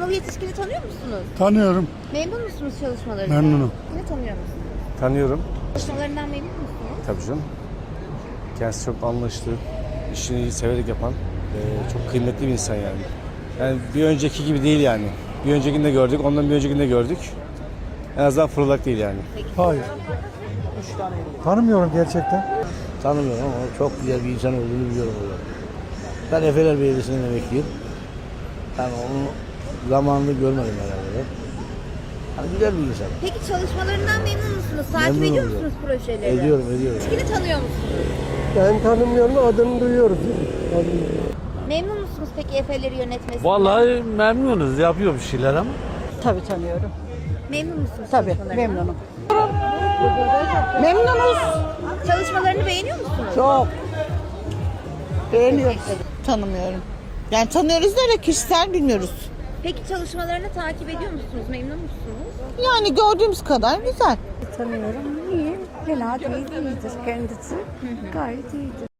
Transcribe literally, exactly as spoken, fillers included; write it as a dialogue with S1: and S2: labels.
S1: Ertuğrul Yetişkin'i tanıyor musunuz?
S2: Tanıyorum.
S1: Memnun musunuz çalışmalarından?
S2: Memnunum.
S1: Ne tanıyor musunuz?
S3: Tanıyorum.
S1: Çalışmalarından memnun musunuz?
S3: Tabii canım. Kendisi çok anlayışlı, işini severek yapan, e, çok kıymetli bir insan yani. Yani bir önceki gibi değil yani. Bir öncekini de gördük, ondan bir öncekini de gördük. En azından fırlak değil yani.
S2: Hayır. Tanımıyorum gerçekten.
S4: Tanımıyorum ama çok güzel bir insan olduğunu biliyorum orada. Ben Efeler Belediyesi'nden emekliyim. Yani onu zamanında görmedim herhalde. Yani güzel bir insan.
S1: Peki çalışmalarından memnun musunuz? Takip
S4: Memnunum
S1: ediyor
S4: diyorum.
S1: musunuz projeleri?
S4: Ediyorum, ediyorum.
S1: Yetişkin'i tanıyor musunuz?
S2: Ben tanımıyorum, adını duyuyoruz.
S1: Memnun musunuz peki Efeler'i yönetmesinden?
S5: Vallahi memnunuz, yapıyor bir şeyler ama.
S6: Tabii tanıyorum.
S1: Memnun musunuz
S6: Tabii
S1: çalışmalarından?
S6: memnunum. Memnunuz.
S1: Çalışmalarını beğeniyor musunuz?
S6: Çok. Beğeniyoruz.
S7: Tanımıyorum. Yani tanıyoruz da öyle kişisel bilmiyoruz.
S1: Peki çalışmalarını takip ediyor musunuz? Memnun musunuz?
S7: Yani gördüğümüz kadar güzel.
S8: Tanıyorum. İyi. Fena değil, iyidir kendisi. Gayet iyidir.